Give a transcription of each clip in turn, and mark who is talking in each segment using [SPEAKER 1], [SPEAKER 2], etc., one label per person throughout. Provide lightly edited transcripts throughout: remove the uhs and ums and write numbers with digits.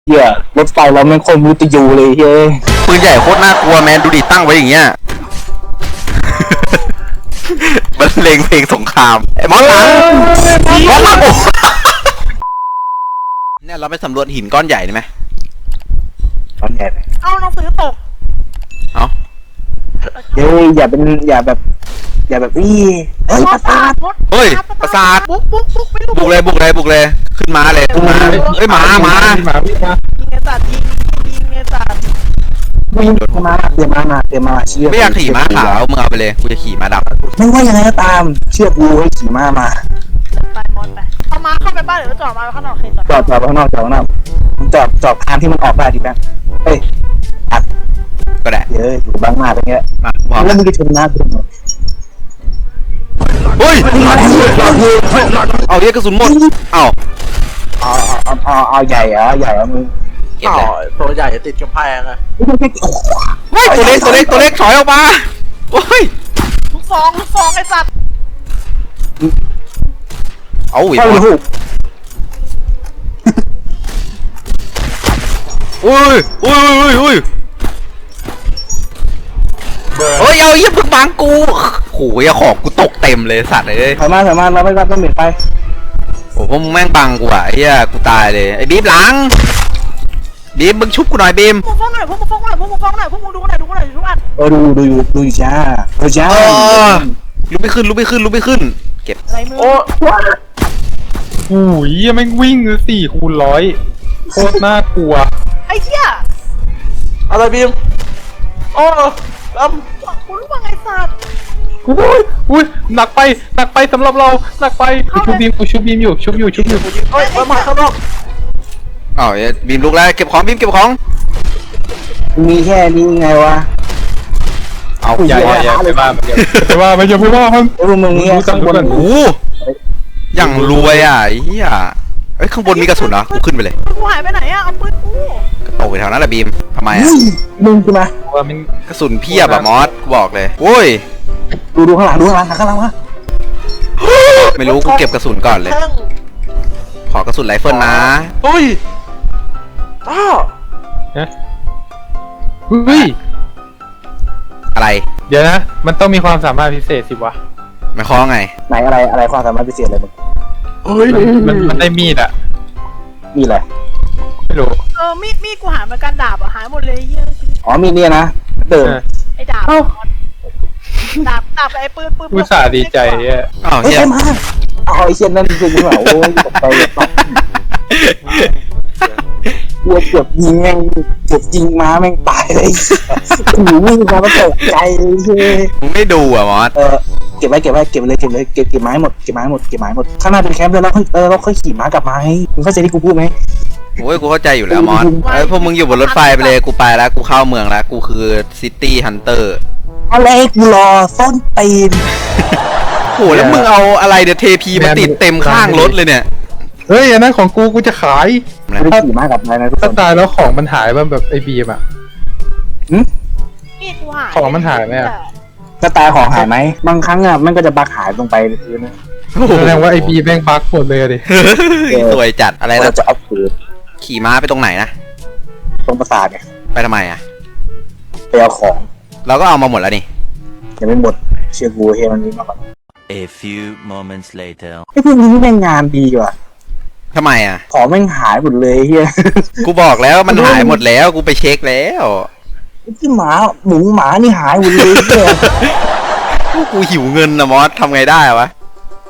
[SPEAKER 1] เหี้ยรถไฟเราไม่คนมุตยูเลยเฮ้ย
[SPEAKER 2] ปืนใหญ่โคตรน่ากลัวแมนดูดิตั้งไว้อย่างเงี้ย มันเลงเพลงสงครามไอ้มอสหลังมอสหลังเนี่ยเราไปสำรวจหินก้อนใหญ่ได้ไหม
[SPEAKER 1] ตอนใหญ่ไป
[SPEAKER 3] เอาหนังสือตก
[SPEAKER 2] เอา
[SPEAKER 1] เฮ้ยอย่าแบบอี้เฮ้ยประสาท
[SPEAKER 2] เฮ้ยประสาท
[SPEAKER 3] บุกไม่รู้
[SPEAKER 2] บุกเลยขึ้นมาเลยขึ้นมาเฮ้ยหมา
[SPEAKER 4] วิ่งมา
[SPEAKER 3] ยิงไอ้สัตว์ยิงไอ้สัตว์
[SPEAKER 1] วิ่งมาเตรียมมาเชื่อ
[SPEAKER 2] ไม่อยากขี่ม้าขาวมึงเอาไปเลยกูจะขี่ม้าดำ
[SPEAKER 1] ไม่ว่ายังไงก็ตามเชื่อกูให้ขี่ม้ามา
[SPEAKER 3] ไปมอนไปเอามาเข้าไปบ้านหรือว่าจอดมาข้างนอกเคยจอด
[SPEAKER 1] จอดข้างนอกจอดทางที่มันออกได้ดิแป๊บเฮ้ยอัด
[SPEAKER 2] ก็ได้
[SPEAKER 1] เยอะอยู่บางหน้าตรงเนี้ย
[SPEAKER 2] มาพร้อม
[SPEAKER 1] แล้วมึงจะชนหน้ากู
[SPEAKER 2] เฮ้ยเอาเรียกกระสุนหมดเอา
[SPEAKER 1] เอาใหญ่อะมึง
[SPEAKER 2] เก็บเลย
[SPEAKER 4] ตัวใหญ่ติดกำแพงอะ
[SPEAKER 2] เฮ้ยตัวเล็กถอยออกมาโอ้ย
[SPEAKER 3] ลูกซองไอ้สัตว์
[SPEAKER 2] เอาอีก
[SPEAKER 1] เข้าหู
[SPEAKER 2] อุ้ยเฮ้ยเอาเยี่ยมึงบังกูโหยของกูตกเต็มเลยสัตว์เลย
[SPEAKER 1] ถอยมาเราไม่ต้องเหม็นไป
[SPEAKER 2] โอ้พวกมึงแม่งบังกูอ่ะเฮียกูตายเลยไอ้บีมหลังบีมมึงชุบกูหน่อยบีม
[SPEAKER 3] พวกมึงฟ้องหน่อยพวกมึงดูหน่อยทุกอัน
[SPEAKER 1] ดูอยู่จ้าจ้า
[SPEAKER 2] ลุกไม่ขึ้นเก็บ
[SPEAKER 3] อะไรมือ
[SPEAKER 4] โอ้
[SPEAKER 5] โอ้ยแม่งวิ่ง4 คูณ 100โคตรน่ากลัว
[SPEAKER 3] ไอ้เหี้ย
[SPEAKER 4] อะไรบีมโอ้ล
[SPEAKER 3] กูรู้ว่าไงสัตว์
[SPEAKER 5] อุ้ยหนักไปสำหรับเราหนักไปกูชุบบีมอยู่ชุบอยู่
[SPEAKER 4] ำเฮ้ยมาข้างนอก
[SPEAKER 2] อ้าวบีมลุกแล้วเก็บของบีมเก็บของ
[SPEAKER 1] มีแค่นี้ไงวะ
[SPEAKER 2] เอา
[SPEAKER 5] อย่าไปว่ามันอย่าไปว่ามัน
[SPEAKER 1] ไอ้พวกมึงเนี่ยข้างบน
[SPEAKER 2] โอ้อย่างรวยอ่ะไอ้เหี้ยเอ้ยข้างบนมีกระสุนเหรอกูขึ้นไปเลย
[SPEAKER 3] กูหายไปไหนอะเอาปืนกู
[SPEAKER 2] ก็ตกไปแถวนั้นแหละบีมทำไมอ่ะ
[SPEAKER 1] มึงใช่ไหม
[SPEAKER 5] ว่ามัน
[SPEAKER 2] กระสุนเพียบอะมอสกูบอกเลยโอ้ย
[SPEAKER 1] ดูข้างหลังวะ
[SPEAKER 2] ไม่รู้กูเก็บกระสุนก่อนเลย
[SPEAKER 4] แท่ง
[SPEAKER 2] ขอกระสุนไรเฟิลนะ
[SPEAKER 4] เฮ้ยอ้าว
[SPEAKER 5] เฮ้ย
[SPEAKER 2] อะไร
[SPEAKER 5] เดี๋ยวนะมันต้องมีความสามารถพิเศษสิวะ
[SPEAKER 2] ไม่คล้องไง
[SPEAKER 1] ไหนอะไรความสามารถพิเศษอะไรมึง
[SPEAKER 4] เฮ้ย
[SPEAKER 5] มันได้มีดอะ
[SPEAKER 1] มีอะไร
[SPEAKER 5] ไม่รู้
[SPEAKER 3] มีดกูหายเหมือนกันดาบอะหายหมดเลยเหี้ย
[SPEAKER 1] อ๋อมีเนี่ยนะเดิม
[SPEAKER 3] ไอ้ดาบดาบไอ้ปืน
[SPEAKER 5] อุตส่าห์ดีใจอะ
[SPEAKER 2] อ้าว
[SPEAKER 1] เฮ้ย
[SPEAKER 2] เฮีย
[SPEAKER 1] ใช่มาเอาไอ้เช่นนั้นจริงๆเหรอโอ้ยตกใจกลัวเกือบยิงม้าแม่งตายเลยหูวิ่งมาแล้วตกใจเลย
[SPEAKER 2] มึงไม่ดูอ่ะมอส
[SPEAKER 1] เก็บไว้เลยเก็บไม้หมดข้างหน้าเป็นแคมป์แล้วเราค่อยขี่ม้ากลับมาให้มึงเข้าใจที่กูพูดไหม
[SPEAKER 2] โอ้ยกูเข้าใจอยู่แล้วมอสไอ้ยพวกมึงอยู่บนรถไฟไปเลยกูไปแล้วกูเข้าเมืองแล้วกูคือซิตี้ฮันเตอร์
[SPEAKER 1] อะไรกูรอส้นตีน
[SPEAKER 2] โหแล้วมึงเอาอะไรเดี๋ยวเทพีมาติดเต็มข้างรถเลยเนี่ย
[SPEAKER 5] เฮ้ยอันนั้นของกูจะขาย
[SPEAKER 1] ไม่ได้ขี่ม้ากลับมานะทุกค
[SPEAKER 5] ถ้าน ตายแล้วของมันหายแบบไอ้บีมอะ
[SPEAKER 3] มีดกูหาย
[SPEAKER 5] ของมันหายไหมอะ
[SPEAKER 1] จะตายของหายไหมบางครั้งอ่ะมันก็จะบักหายลงไปในพื้นนะ
[SPEAKER 5] แสดงว่าไอ้บีมแม่งบั๊กหมดเลยอะดิ
[SPEAKER 2] สวยจัดอะไร
[SPEAKER 1] เรา
[SPEAKER 2] นะ
[SPEAKER 1] จะเอาปืน
[SPEAKER 2] ขี่ม้าไปตรงไหนนะ
[SPEAKER 1] ตรงประสาทเนี่ย
[SPEAKER 2] ไปทำไมอ่ะ
[SPEAKER 1] ไปเอาของ
[SPEAKER 2] เราก็เอามาหมดแล้วนี่
[SPEAKER 1] ยังไม่หมดเชื่อกูเฮ้ยมันนี้มาก่อน
[SPEAKER 6] A few moments later.
[SPEAKER 1] ไอ้พวกนี้แม่งงานดีว่ะ
[SPEAKER 2] ทำไมอ่ะ
[SPEAKER 1] ของแม่งหายหมดเลยเฮีย
[SPEAKER 2] กูบอกแล้วมันหายหมดแล้วกูไปเช็คแล้ว
[SPEAKER 1] ที่หมานี่หายหมดเลยเฮีย
[SPEAKER 2] กูหิวเงินนะมอสทำไงได้วะ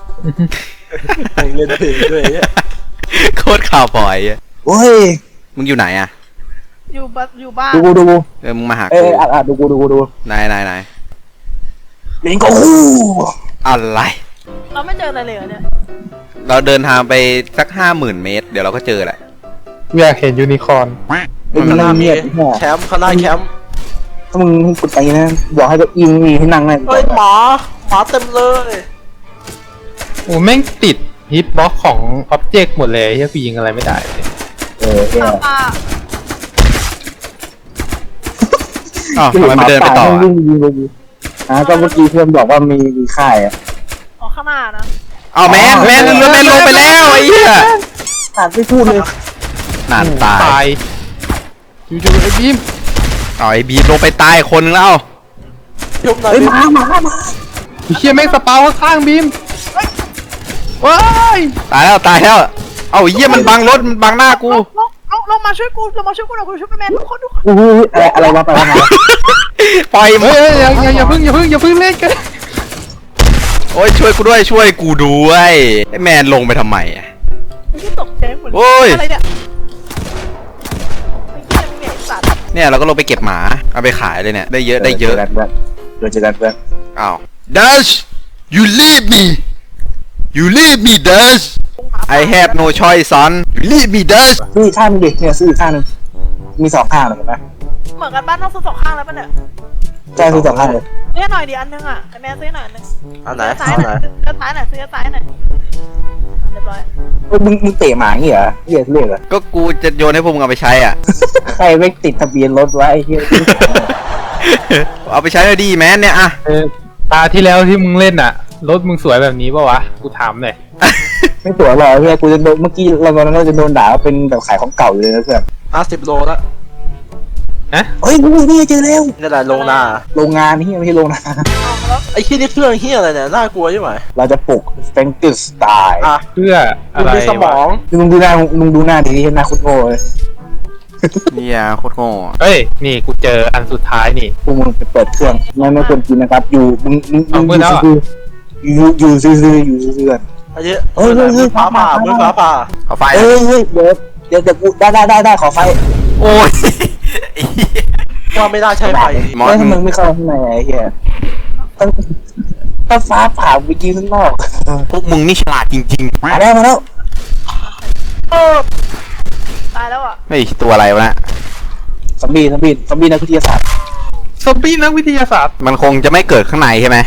[SPEAKER 4] เล่นเพลงด้วยเนี่ย
[SPEAKER 2] โคตรข่าวปล่อยอะ
[SPEAKER 1] โอ้ย
[SPEAKER 2] มึงอยู่ไหนอ่ะ
[SPEAKER 3] อยู่บ้าน
[SPEAKER 1] ดู
[SPEAKER 2] มึงมาหา
[SPEAKER 1] เอ้
[SPEAKER 2] กู
[SPEAKER 1] ยดู
[SPEAKER 2] ไหน
[SPEAKER 1] ลิงก็ฮู้
[SPEAKER 2] อะไร
[SPEAKER 3] เราไม่เจออะไรเลยเนี่ย
[SPEAKER 2] เราเดินทางไปสัก50,000 เมตรเดี๋ยวเราก็เจอแหละ
[SPEAKER 5] อยากเห็นยูนิคอร์น
[SPEAKER 1] เป็นหน้าเมียดหัว
[SPEAKER 4] แคมป์ข้างหน้าแคมป์
[SPEAKER 1] ถ้ามึงกดไปนะบอกให้ตัวอิงมีให้นั่งเลย
[SPEAKER 4] เฮ้ยหมาเต็มเลย
[SPEAKER 5] โอ้แม่งติดฮิตบล็อกของอ็อบเจกต์หมดเลยที่กูยิงอะไรไม่ได้เลย
[SPEAKER 1] เฮีย
[SPEAKER 3] ป้า
[SPEAKER 2] อ้าวทำไมไม่เดินไปต่ออะ
[SPEAKER 1] วิ่งยิงเลยก็เมื่อกี้เพื่อนบอกว่ามีค่ายอ่ะ
[SPEAKER 3] ออกข้างหน้านะ
[SPEAKER 2] เอาแมนลงไปแล้วไอ้เหี้ย
[SPEAKER 1] ขาดไม่พูดเลย
[SPEAKER 2] นานตาย
[SPEAKER 5] ตายจู่ๆไอ้บีม
[SPEAKER 2] เอาไอ้บีมลงไปตายคนนึงแล้ว
[SPEAKER 4] ชุบหน่อย
[SPEAKER 1] เฮ้ย
[SPEAKER 4] บีม
[SPEAKER 1] มา
[SPEAKER 5] ไอ้เชี่ยแม่งสปาวข้างๆบีมว้าย
[SPEAKER 2] ตายแล้วเอาไอ้เหี้ยมันบังรถมันบังหน้ากู
[SPEAKER 3] ลงมาช่วยกูลงมาช่วยกูหน่อยกูช่วยแมนทุกคน
[SPEAKER 1] อุ้ยอะไรวะไปวะมา
[SPEAKER 2] ปล่อยมึ
[SPEAKER 5] เฮ้
[SPEAKER 2] ง
[SPEAKER 5] ยอย่าเพิ่งเล่นกัน
[SPEAKER 2] โอ้ยช่วยกูด้วยไอ้แมนลงไปทำไมอะ
[SPEAKER 3] ที่ตกใจหมด
[SPEAKER 2] โอ้ย
[SPEAKER 3] อะไรเนี่ยไอ้เหี้ยเนี่ยสัตว์
[SPEAKER 2] เนี่ยเราก็ลงไปเก็บหมาเอาไปขายเลยเนี่ยได้เยอะ
[SPEAKER 1] เจอกันเพื่อน
[SPEAKER 2] อ้าว Dash you leave me Dash I have no choice son you leave me Dash
[SPEAKER 1] ซื้ออีกข้างนึงดิเนี่ยซื้ออีกข้างนึงมี2ข้างเลยเห็นไหม
[SPEAKER 3] เหมือนกันบ้านต้องซื้อ2ข้างแล้วป่ะเนี่ย
[SPEAKER 1] ใช่ซื้อ2ข้างเลย
[SPEAKER 3] ซื้อหน่อยดิอันนึงอ่ะไอ้แมนซื้อหน่อยอันนึง
[SPEAKER 4] อันไหน
[SPEAKER 3] ซ้าย
[SPEAKER 4] อัน
[SPEAKER 3] ห
[SPEAKER 4] ไหน
[SPEAKER 3] น่อยก็ซ้ายหน่อยซื้อซ้ายหน่อยเรียบร้อย
[SPEAKER 1] มึงเตะหมาอย่างงี้เหรอเรียกเหรอ
[SPEAKER 2] ก็กูจะโยนให้พวกมึงเอาไปใช้อ่ะ
[SPEAKER 1] ใครไม่ติดทะเบียนรถไว้ไอ้เหี้ย
[SPEAKER 2] เอาไปใช้เลยดีแมนเนี่ยอะ
[SPEAKER 5] ตาที่แล้วที่มึงเล่นอ่ะรถมึงสวยแบบนี้ป่าวะกูถามหน่อย
[SPEAKER 1] ไม่ตัวหรอกเฮียกูจะโดนเมื่อกี้เราตอนนั้นเราจะโดนด่าว่าเป็นแบบขายของเก่าอยู่เลยนะเพื่อน
[SPEAKER 4] 10 โลแล้ว
[SPEAKER 1] เฮ้ยนี่เจอแล้ว
[SPEAKER 4] นี่แหละลงนา
[SPEAKER 1] โรงงานนี่ไม่ใช่โรงงาน
[SPEAKER 3] เอาแล้ว
[SPEAKER 4] ไอ้ที่นี่เครื่องเฮียอะไรเนี่ยน่ากลัวใช่ไหม
[SPEAKER 1] เราจะปลุกแฟรงกิสไตล์
[SPEAKER 4] อ่ะ
[SPEAKER 5] เพื่อ
[SPEAKER 4] มึ
[SPEAKER 5] อะ
[SPEAKER 4] ง
[SPEAKER 5] ไร
[SPEAKER 4] มีสมอง
[SPEAKER 1] มึงดูหน้าดีที่หน้าคุณโง่เลย
[SPEAKER 2] เนี่ยโคตรโง่
[SPEAKER 5] เฮ้ยนี่กูเจออันสุดท้ายนี่
[SPEAKER 1] พวกมึงไปเปิดเครื่องไม่ควรกินนะครับอยู่มึง
[SPEAKER 5] เอามือแล้วอะ
[SPEAKER 1] อยู่ซื่อๆกัน
[SPEAKER 4] ไอ้เหี้ย
[SPEAKER 1] เฮ้ย
[SPEAKER 4] มือฟ้าผ่ามือฟ้าผ่า
[SPEAKER 2] เอาไฟ
[SPEAKER 1] เฮ้ยเดี๋ยวกูได้ขอไฟ
[SPEAKER 2] โอ้ย
[SPEAKER 4] ว่าไม่ได้ใช้ไฟ
[SPEAKER 2] มอส
[SPEAKER 1] แล้วทำไมไม่เข้าข้างในไอ้เหี้ยถ้าฟ้าผ่าไปยิงข้างนอก
[SPEAKER 2] พวกมึงนี่ฉลาดจริง
[SPEAKER 1] มาแล้ว
[SPEAKER 3] ตายแล้วอ่ะ
[SPEAKER 2] ๆไม่ตัวอะไรวะนะ
[SPEAKER 1] ซอมบี้นักวิทยาศาสตร์
[SPEAKER 5] ซอมบี้นักวิทยาศาสตร์
[SPEAKER 2] มันคงจะไม่เกิดข้างในใช่ไหม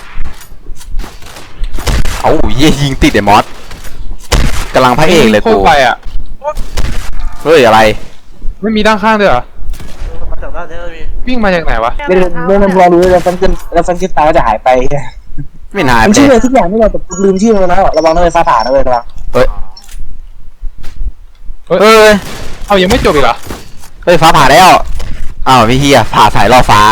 [SPEAKER 2] เอาเยี่ยยิงติดไอ้มอสกำลังพระเอกเลย
[SPEAKER 5] โค
[SPEAKER 2] กู
[SPEAKER 5] ตรไปอ่ะ
[SPEAKER 2] เฮ้ยอะไร
[SPEAKER 5] ไม่มีด้านข้างด้วยเหรอ
[SPEAKER 4] มาจากด้านนี้มี
[SPEAKER 5] วิ่งมาจากไหนวะ
[SPEAKER 1] เรื่องรอรู้แล้วฟันขึ้นตาก็จะหายไป
[SPEAKER 2] ไม่นาน
[SPEAKER 1] มัน
[SPEAKER 2] เล
[SPEAKER 1] ชื่อย อะไรทุกอย่างไม่เราแต่ลืมชื่อมันแล้วระวังนะเลยฟ้าผ่านะเลยระวัง
[SPEAKER 2] เฮ้ย
[SPEAKER 5] เอายังไม่จบอีกเหรอ
[SPEAKER 2] เฮ้ยฟ้าผ่าแล้วอ้าวพี่เฮียผ่าสายล่อฟ้า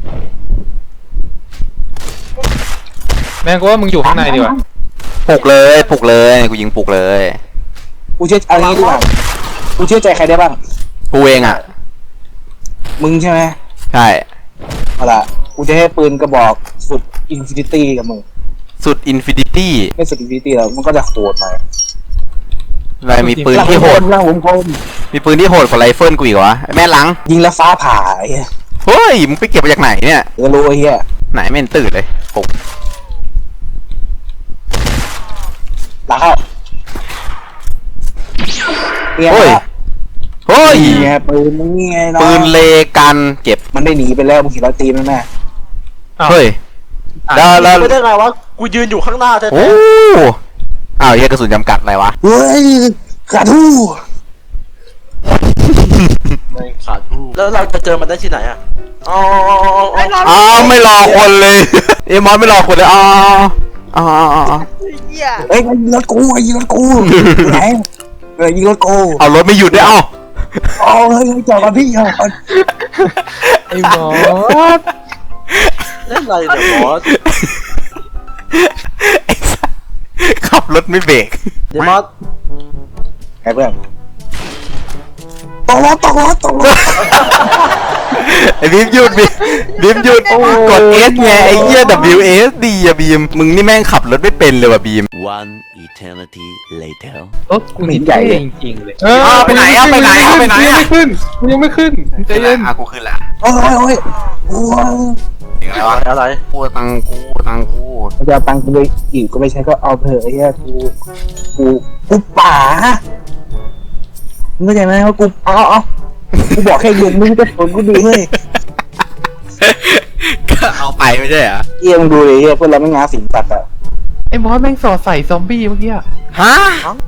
[SPEAKER 5] แม่งกูว่ามึงอยู่ข้างในดีกว่า
[SPEAKER 2] ปลุกเลยกูยิงปลุกเลย
[SPEAKER 1] กูเชื่อเอางี้ดีกว่ากูเชื่อใจใครได้บ้าง
[SPEAKER 2] กูเองอ่ะ
[SPEAKER 1] มึงใช่ไหม
[SPEAKER 2] ใช่
[SPEAKER 1] เอาล่ะกูจะให้ปืนกระบอกสุดอินฟินิตี้กับมึง
[SPEAKER 2] สุดอินฟินิตี้
[SPEAKER 1] ไม่สุดอินฟินิตี้แล้วมันก็จะโหดหน่อย
[SPEAKER 2] อะไรมีปืนที่โหด
[SPEAKER 1] ล่างผมคม
[SPEAKER 2] มีปืนที่โหดกว่าไรเฟิลกูอีกวะไอ้แม่หลัง
[SPEAKER 1] ยิงแล้วฟ้าผ่าไอ้เหี้ย
[SPEAKER 2] เฮ้ยมึงไปเก็บมาจากไหนเนี่ย
[SPEAKER 1] เดี๋ยวรู้ไอ้เหี้ย
[SPEAKER 2] ไหนไม่เห็นตื่นเลยผม
[SPEAKER 1] หลังเข้าเนี่ย
[SPEAKER 2] เฮ้ย เฮ้ย
[SPEAKER 1] นี่ไงปืนนี่ไงเนาะ
[SPEAKER 2] ปืนเลกันเก็บ
[SPEAKER 1] มันได้หนีไปแล้วมึงเห็นเราตีมันไหม
[SPEAKER 5] อ้าว
[SPEAKER 2] เฮ้ย แล้ว
[SPEAKER 4] ไม่ได้ไงวะกูยืนอยู่ข้างหน้าแท้
[SPEAKER 2] โอ้อ้าวเฮียกระสุนจำกัดอะไรวะ
[SPEAKER 1] เฮ้ยกระทู้
[SPEAKER 4] ๆไม่ขาดรูแล้วเราจะเจอมันได้ที่ไหนอ่ะอ๋อ
[SPEAKER 3] ไอ้รอ
[SPEAKER 2] อ้าวไม่รอคนเลย เอมอนไม่รอคนเลยอ้าวอ้าว
[SPEAKER 3] เหี้ย
[SPEAKER 1] เฮ้ยยิงรถกูยิงรถกูไหนยิงรถกู
[SPEAKER 2] เอารถไม่หยุดด้วยเอ้า
[SPEAKER 1] อ๋อเฮ้ยจอดกันพี่จอดกัน
[SPEAKER 5] ไอ้หมอส
[SPEAKER 4] เล่นอะไรเนี่ยบอส
[SPEAKER 2] ไอ้สัสขับรถไม่เบรก
[SPEAKER 4] เดี๋ยวมอส
[SPEAKER 1] ไอ้เพื่อนตกรถ
[SPEAKER 2] ไอ้บีมหยุดบีมหยุดกด S ไงไอ้เหี้ย WSD อะบีมมึงนี่แม่งขับรถไม่เป็นเลยว่ะบีม
[SPEAKER 6] One eternity later.
[SPEAKER 5] รถกูนี่ใหญ่จริงๆเลย
[SPEAKER 2] ไปไหนอะไปไหนอะไปไหนอะ
[SPEAKER 5] กูยังไม่ขึ้นใจเย็น
[SPEAKER 2] กูขึ้นละ
[SPEAKER 1] โอ้ยโอ้ย
[SPEAKER 2] ถึงอะไรวะ
[SPEAKER 4] อะไร
[SPEAKER 2] กูตังกู
[SPEAKER 1] จะเอาตังค์กูไปอีกก็ไม่ใช่ก็เอาเถอะไอ้เหี้ยกูป่ามึงเข้าใจไหมว่ากูเอากูบอกแค่ยืนมึงจะสนกูดีเฮ้ย
[SPEAKER 2] ก็เอาไปไม่ใช่เหรอ
[SPEAKER 1] เยี่ยมงดูเลยเหี้ยเพื่อนเราไม่งาสิงตัดอ่ะ
[SPEAKER 5] ไอ้หมอสแม่งสอดใส่ซอมบี้เมื่อกี้อะ
[SPEAKER 2] ฮะ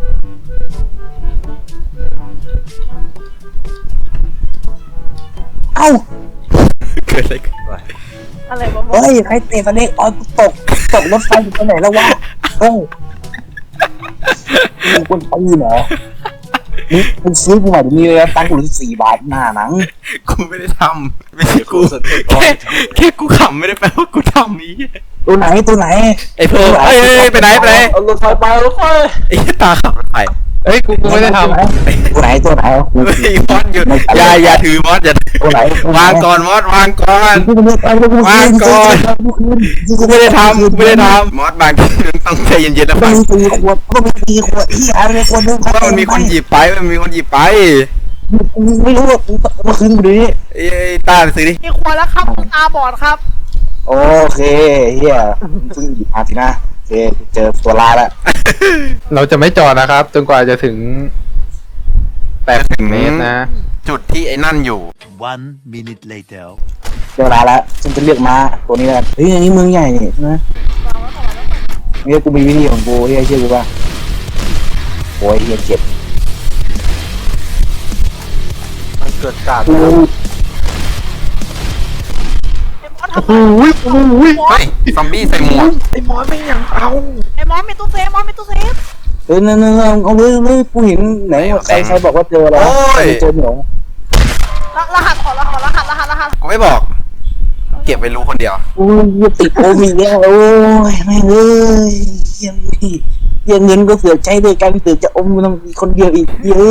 [SPEAKER 1] เอ้า
[SPEAKER 2] เกิดอะไรขึ้น
[SPEAKER 3] อะไรวะ
[SPEAKER 1] เฮ้ยใครเตะสเน็กออนตกรถไฟอยู่ตรงไหนแล้ววะเฮ้ยมึงคนปืนเหรอมึงซื้อกูมาเดี๋ยวนี้เลยนะตังค์กูเหลือ4 บาทหน้าหนัง
[SPEAKER 2] กูไม่ได้ทำไม่ใช่กูแค่กูขำไม่ได้แปลว่ากูทำนี้
[SPEAKER 1] ตัวไหน
[SPEAKER 2] ไอ้เพิ่มเอ้ยไปไหน
[SPEAKER 4] เอารถไฟไปรถไฟ
[SPEAKER 2] ไอ้ตาขับรถไฟ
[SPEAKER 5] เอ้ยกูไม่ได้ทำ
[SPEAKER 1] ตัวไหนกู
[SPEAKER 2] เฮ้ยมอสหยุดอย่าถือมอสอย่า
[SPEAKER 1] ตัวไหน
[SPEAKER 2] วางก่อนมอสวางก่อน
[SPEAKER 1] กูไม่ได้ทำ
[SPEAKER 2] กูไม่ได้ทำมอสบางทีมันต้องใจเย็นๆนะ
[SPEAKER 1] ก็
[SPEAKER 2] ฟัง
[SPEAKER 1] มีตีขวดที่อะไรขวดนึง
[SPEAKER 2] เพราะว่ามันมีคนหยิบไป
[SPEAKER 1] ไม่รู้มาคืนกูดิ
[SPEAKER 2] ไอ้ตาไปซื้อดิ
[SPEAKER 3] มีครัวแล้วครับคุณตาบอดครับ
[SPEAKER 1] โอเคเฮียเพิ่งหยิบมาสินะโอเคเจอตัวลาแล้ว
[SPEAKER 5] เราจะไม่จอดนะครับ จนกว่าจะถึง80 เมตรนะ
[SPEAKER 2] จุดที่ไอ้นั่นอยู่
[SPEAKER 6] 1 minute later.
[SPEAKER 1] เจอลาแล้วฉันจะเลือกม้าตัวนี้แล้วเฮ้ยอันนี้เมืองใหญ่นี่ใช่ไหมเฮียกูมีวิธีของกูเฮียเชื่อกูป่ะโอ้ยเฮียเจ็บ
[SPEAKER 4] มันเกิดการ
[SPEAKER 1] กู
[SPEAKER 3] ไอ้มอสทำไม
[SPEAKER 5] อุ้ย
[SPEAKER 2] เฮ้ยซอมบี้ใส่หมวก
[SPEAKER 4] ไอ้หมอไม่ยังเอา
[SPEAKER 3] ไอ้มอสมีตู้เซฟมอสมีตู้เซฟ
[SPEAKER 1] นั่นเอาเลยกูเห็นไหนใครบอกว่าเจอแล้วเจอหนู
[SPEAKER 3] รหัสขอรหัส
[SPEAKER 2] กูไม่บอก เก็บไปรู้คนเดียว
[SPEAKER 1] โอ้ยติดโควิดแล้วโอ้ยแม่งเอ้ยเงินก็เสือกใช้ด้วยกันเสือกจะอมกูต้องมีคนเดียวอีกเยอะ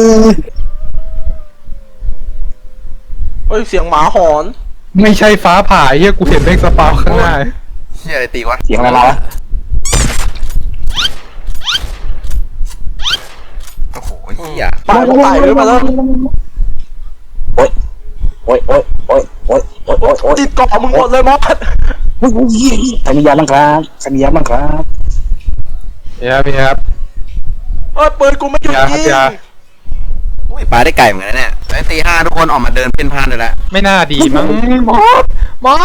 [SPEAKER 4] เฮ้ยเสียงหมาหอน
[SPEAKER 5] ไม่ใช่ฟ้าผ่าเฮียกูเห็นเมฆสปาวข้างหน้า
[SPEAKER 2] เชี่ยอะไรตีวะ
[SPEAKER 1] เสียงอะไรมาวะ
[SPEAKER 2] โอ้โหเหี้ย
[SPEAKER 4] ตายก็ตายด้วยมาแล้ว
[SPEAKER 1] โอ้ย
[SPEAKER 4] ติดเกาะมึงหมดเลยมอส
[SPEAKER 1] สัญญาบ้างครับ
[SPEAKER 5] พี่ครับ
[SPEAKER 4] เอ้ยปืนกูไม่หยุดยิง
[SPEAKER 5] อย่า
[SPEAKER 2] อุ้ยปลาได้ไก่เหมือนกันนะเนี่ยไอ้ตี 5ทุกคนออกมาเดินเป็นพานเลยละ
[SPEAKER 5] ไม่น่าดีมั้งมอส
[SPEAKER 3] มอ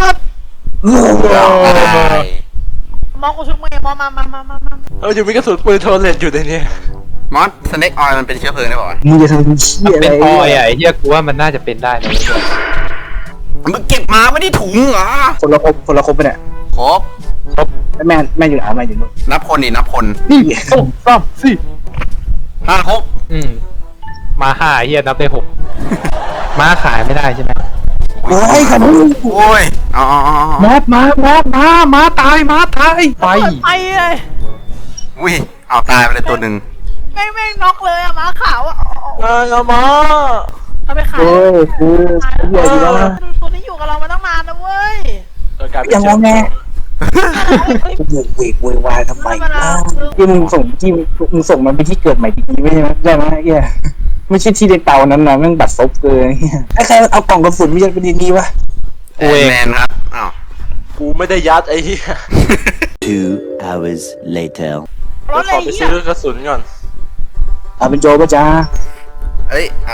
[SPEAKER 3] สกูช่วยมึงมอสมา
[SPEAKER 4] อยู่มีกระสุนปืนโทรเลตอยู่ในนี้
[SPEAKER 2] มอสสเน็กออยมันเป็นเชื้อเพลิงได้ป่าวะ
[SPEAKER 1] มึงจะทำเชี่ยอะไร
[SPEAKER 5] เป็นปอยอ่ะไอ้เฮียกูว่ามันน่าจะเป็นได้นะเว้ย
[SPEAKER 2] มึงเก็บมาไม่ได้ถุงเหรอ
[SPEAKER 1] คนละครบไปเนี่ย
[SPEAKER 2] ครบ
[SPEAKER 1] แม่อยู่ไหนแม่อยู่นู่น
[SPEAKER 2] นับคนดินับคน
[SPEAKER 5] นี่โอ้ซ้ำสิ
[SPEAKER 2] 5 ครบ
[SPEAKER 5] มาห้าเฮียนับได้6ม้าขายไม่ได้ใช่ไหม
[SPEAKER 1] โอ้ยขนุน
[SPEAKER 2] โอ้ยอ๋อ
[SPEAKER 5] มอสม้าตายไป
[SPEAKER 3] ไปเลย
[SPEAKER 2] อุ้ยเอาตายไปเลยตัวหนึ่ง
[SPEAKER 3] แม่งน็อกเลยอะม้าขาวอะ
[SPEAKER 4] เอามา
[SPEAKER 3] เอาไปขาย
[SPEAKER 1] โอ้ยคือเฮียดีแล้วนะ
[SPEAKER 3] ตัวนี้อยู่กับเรามาตั้งนานนะเว้ย
[SPEAKER 1] ยังงอแงกูโวยวายทำไมที่มึงส่งมันไปที่เกิดใหม่ดีๆไม่ใช่ไหมได้ไหมเฮียไม่ใช่ที่ในเตานั้นนะแม่งบัดซบเกินเฮียใครเอากล่องกระสุนไม่ใช่ไปดีๆวะ
[SPEAKER 2] แมนครับอ้าว
[SPEAKER 4] กูไม่ได้ยัดไอ้เหี้ย
[SPEAKER 6] 2 hours later.
[SPEAKER 3] รถเล
[SPEAKER 4] ขอย ไป
[SPEAKER 3] เหี้
[SPEAKER 4] ซื้
[SPEAKER 3] ย
[SPEAKER 4] อกระสุนก่อน
[SPEAKER 1] เอาเป็นโจป่ะจ้า
[SPEAKER 2] เอ้ยเอา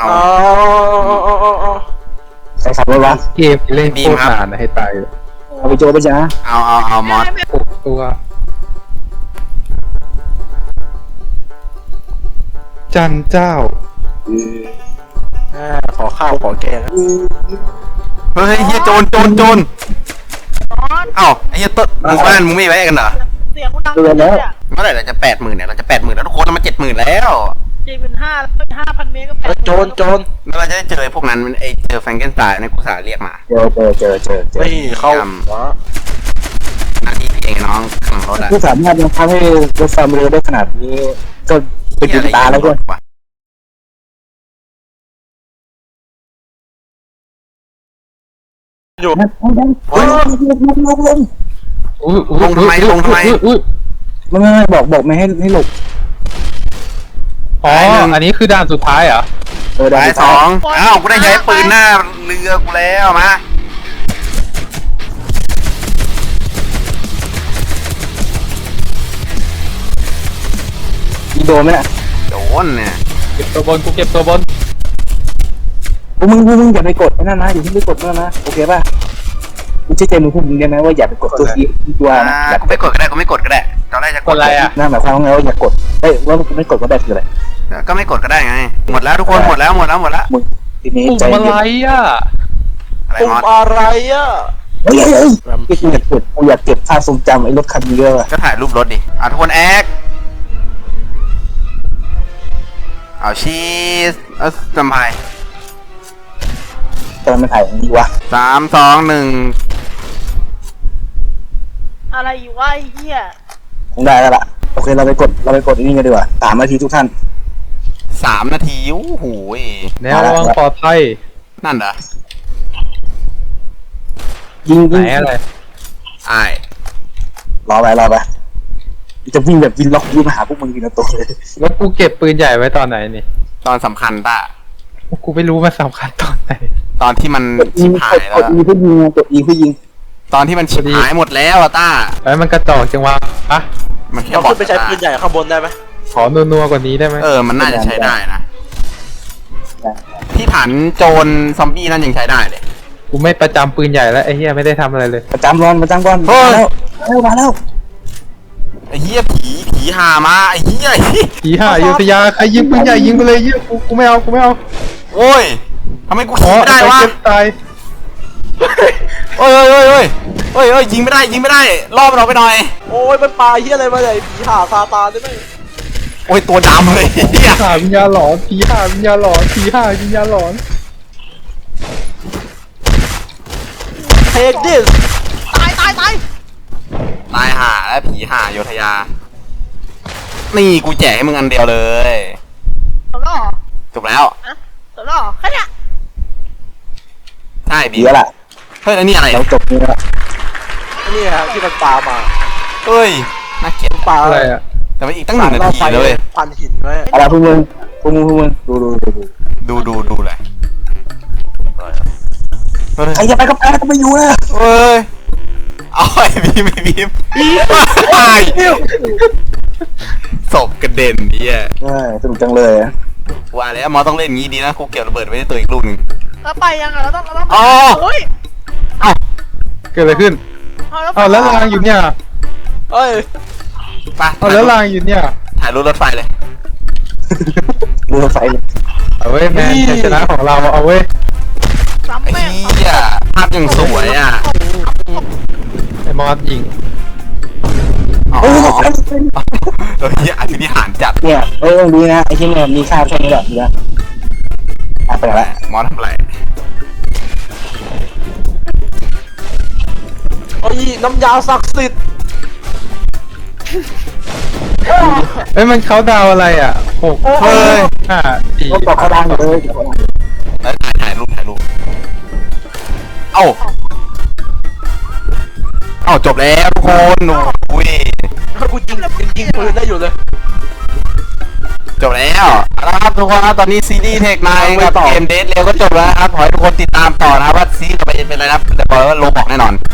[SPEAKER 1] ใครขับรถวะ
[SPEAKER 5] เกมเล่นโคตรนานนะให้ตายเลย
[SPEAKER 1] เอาเป็นโจป่ะจ้า
[SPEAKER 2] เอามอส
[SPEAKER 5] 6 ตัว จันเจ้า
[SPEAKER 4] ขอข้าวขอแกง
[SPEAKER 2] เฮ้ยเฮียโจร
[SPEAKER 3] นอน
[SPEAKER 2] เอ้าไอ้เฮียต้นหมู่บ้านมึงไม่แวะกันเหรอ
[SPEAKER 3] เสียงกูดังเลยอะ
[SPEAKER 2] เมื่อไหร่เราจะ80,000เนี่ยเราจะ80,000แล้วทุกคนเรามา70,000แล้ว
[SPEAKER 3] 5,000 เมตรก็แปด
[SPEAKER 4] โจร
[SPEAKER 2] แล้วเราจะได้เจอไอ้พวกนั้นไอ้เจอแฟรงเกนสไตน์ในกูสาเรียกมา
[SPEAKER 1] เจอ
[SPEAKER 4] ไม่เข้า
[SPEAKER 2] หน้าที่พี่เองน้องขังรถอะ
[SPEAKER 1] ผู้สามารถยังทำให้รถไฟเร็วได้ขนาดนี้ก็เป็นบุญตาแล้วด้วย
[SPEAKER 4] อยู่
[SPEAKER 1] ลงไม่บอกไม่ให้หลบ
[SPEAKER 5] อ๋อ อันนี้คือด่านสุดท้ายเหรอ
[SPEAKER 2] ตาย2อ้าวกูได้ใช้ปืนหน้าเรือกูแล้วมา
[SPEAKER 1] อีโดนไหมน่ะ
[SPEAKER 2] โดนเนี่ย
[SPEAKER 5] เก็บตัวบนกูเก็บตัวบน
[SPEAKER 1] มึงอย่าไปกดนั่นนะอย่าที่ไปกดนั่นนะโอเคป่ะกูเชื่อใจมึงพวกมึงเนี่ยนะว่าอย่าไปกดตัวที่ตัวนะอย่า
[SPEAKER 2] กูไม่กดก็ได้ตอนแรกจะ
[SPEAKER 5] กดอะไรอ่ะ
[SPEAKER 1] นั่นหมายความว่าไงว่าอย่ากดเฮ้ยว่ามึงไม่กดก็ได้คืออะไร
[SPEAKER 2] ก็ไม่กดก็ได้ไงหมดแล้วทุกคนหมดแล้ว
[SPEAKER 1] มึงทีนี้
[SPEAKER 5] ปุ่ม
[SPEAKER 1] ใจ
[SPEAKER 5] อะไร
[SPEAKER 1] เย็น
[SPEAKER 5] อ่ะ
[SPEAKER 2] อะไร
[SPEAKER 4] ปุ่ม
[SPEAKER 2] มอส
[SPEAKER 4] อะไรอ่ะ
[SPEAKER 1] เฮ้ยกูอยากเก็บภาพทรงจำไอ้รถคันนี้ด้วยว่ะ
[SPEAKER 2] ก็ถ่ายรูปรถดิทุกคนแอคเอาชีสเอาจำไพ
[SPEAKER 1] ตอนมันถ่ายอย่างนี้วะ
[SPEAKER 2] 3 2 1
[SPEAKER 3] อะไรอยู่วะไอ้เหี้ย
[SPEAKER 1] คงได้แล้วล่ะโอเคเราไปกดอันนี้กันดีกว่า3 นาทีทุกท่าน
[SPEAKER 2] 3 นาทีโอ้โหย
[SPEAKER 5] แนวระวังปลอดภัย
[SPEAKER 2] นั่นเหรอ
[SPEAKER 1] ยิง
[SPEAKER 5] ไหนอะไร
[SPEAKER 2] ไอ้าย
[SPEAKER 1] รอไปจะวิ่งแบบวินล็อกวิ่งมาหาพวกมึงทีละตัวเลย
[SPEAKER 5] แล้วกูเก็บปืนใหญ่ไว้ตอนไหนนี่
[SPEAKER 2] ตอนสำคัญต้า
[SPEAKER 5] กูไม่รู้มันสำคัญตอนไหน
[SPEAKER 2] ตอนที่มัน
[SPEAKER 1] กด
[SPEAKER 2] ชิบหาย
[SPEAKER 1] ก
[SPEAKER 2] แล้ว
[SPEAKER 1] ดอีเพื่อยิงกดอีเพื่อยิง
[SPEAKER 2] ตอนที่มันชิบหายหมดแล้วอะต้า
[SPEAKER 5] ไอ้มันกระจอกจังวะอะ
[SPEAKER 2] มันแค่
[SPEAKER 4] เรา
[SPEAKER 2] บอ
[SPEAKER 4] ขึ้
[SPEAKER 2] ก
[SPEAKER 4] นไปใช้ปืนใหญ่ข้างบนได้ไหม
[SPEAKER 5] ขอนัวๆกว่านี้ได้ไหม
[SPEAKER 2] มันน่าจะใช้ได้นะ ที่ฐานโจรซอมบี้นั่นยังใช้ได้เลย
[SPEAKER 5] กูไม่ประจำปืนใหญ่แล้วไอ้เหี้ยไม่ได้ทำอะไรเลย
[SPEAKER 1] ประจำบอล
[SPEAKER 2] เฮ้ย
[SPEAKER 1] มาแล้ว
[SPEAKER 2] ไอ้เหี้ยผีหามาไอ้เหี้ย
[SPEAKER 5] ผีห่าอยุธยาใครยิงปืนใหญ่ยิงไปเลยเหี้ยกูไม่เอา
[SPEAKER 2] โอ้ยทำไมกู
[SPEAKER 5] ขอ
[SPEAKER 2] ขี่ไม่ได้วะ
[SPEAKER 5] เก็บตาย
[SPEAKER 2] โอ้ยยิงไม่ได้ล่อมันออกไปหน่อย
[SPEAKER 4] โอ้ยมันปลาเฮียอะไรมาเนี่ยผีห่าซาตานได้ไหม
[SPEAKER 2] โอ้ยตัวดำเลยเหี้ย
[SPEAKER 5] ห่าวิญญาณหลอนผีห่าวิญญาณหลอนผีห่าวิญญาณหลอน
[SPEAKER 4] เทคดิส
[SPEAKER 3] ตาย
[SPEAKER 2] ตายห่าแล้วผีห่าโยธยา นี่กูแจกให้มึงอันเดียวเลย
[SPEAKER 3] จบแล้วเหรอ
[SPEAKER 2] จบแล้ว
[SPEAKER 3] จบแล้วเหรอแค่เนี้ย
[SPEAKER 2] ใช่บี
[SPEAKER 1] ดีแล้วล่ะ
[SPEAKER 2] เฮ้ยแล้วนี่อะไร
[SPEAKER 1] เราจบนี้แล้ว
[SPEAKER 4] นี่ฮะที่มันปลามา
[SPEAKER 2] เฮ้ยน่าเกลียด
[SPEAKER 4] ปลา
[SPEAKER 5] อะไรอะ
[SPEAKER 2] แต่ว่าอีกตั้ง1 นาทีเลย
[SPEAKER 4] พันหินไว้
[SPEAKER 1] อะไรพวกมึงดู
[SPEAKER 2] ดูเลยเฮ้ย
[SPEAKER 1] ใครจะไปก็ไปก็ไม่อยู่นะ
[SPEAKER 2] เฮ้ยเอาไอ้บีมตายศพกระเด็นเนี่ย
[SPEAKER 1] สนุกจังเลย
[SPEAKER 2] ว่าแล้วมอต้องเล่นงี้ดีนะกูเก็บระเบิดไว้ในตัวอีกลูกหนึ่ง
[SPEAKER 3] แล้วไปยังไงเราต้อง
[SPEAKER 2] อ๋อ
[SPEAKER 3] โอ้ย
[SPEAKER 5] เกิดอะไรขึ้นเอาแล้วรางอยู่เนี่ย
[SPEAKER 4] เอ้ย
[SPEAKER 2] ไป
[SPEAKER 5] เอาแล้วรางอยู่เนี่ย
[SPEAKER 2] ถ่ายรูปรถไฟเลย
[SPEAKER 1] ดูรถไฟเลย
[SPEAKER 5] เอาเว้ยแมนชัยชนะของเราเอาเว้ย
[SPEAKER 3] ซ้ำ
[SPEAKER 2] ไอ้
[SPEAKER 3] แม่ง
[SPEAKER 2] เหี้ยภาพยังสวยอ่ะ
[SPEAKER 5] ไอ้มอสยิง
[SPEAKER 2] อ๋อ
[SPEAKER 1] เออ
[SPEAKER 2] เหี้ยอภินิหารจัด
[SPEAKER 1] เนี่ยดีนะไอ้ที่เนี่ยมีค่าแค่นี้แหละดีนะไปแล้ว
[SPEAKER 2] มอทำอะไร
[SPEAKER 4] โอ้ยน้ำยาศักดิ์สิทธิ์
[SPEAKER 5] เอ้ยมันเขาดาวอะไรอ่ะ6
[SPEAKER 2] เฮ้ย
[SPEAKER 5] 5 4
[SPEAKER 1] รถต่อเขาดังอยู่เลย
[SPEAKER 2] แล้วถ่ายรูปเอ้าจบแล้วทุกคนอุ้ย
[SPEAKER 4] กูยิงปืนได้อยู่เลย
[SPEAKER 2] จบแล้วนะครับทุกคนนะตอนนี้ซีรีส์เทคไนท์กับเกมเดทเร็วก็จบแล้วนะครับขอให้ทุกคนติดตามต่อนะครับว่าซีรีส์ต่อไปจะเป็นอะไรนะครับแต่บอกเลยว่าโลบอกแน่นอน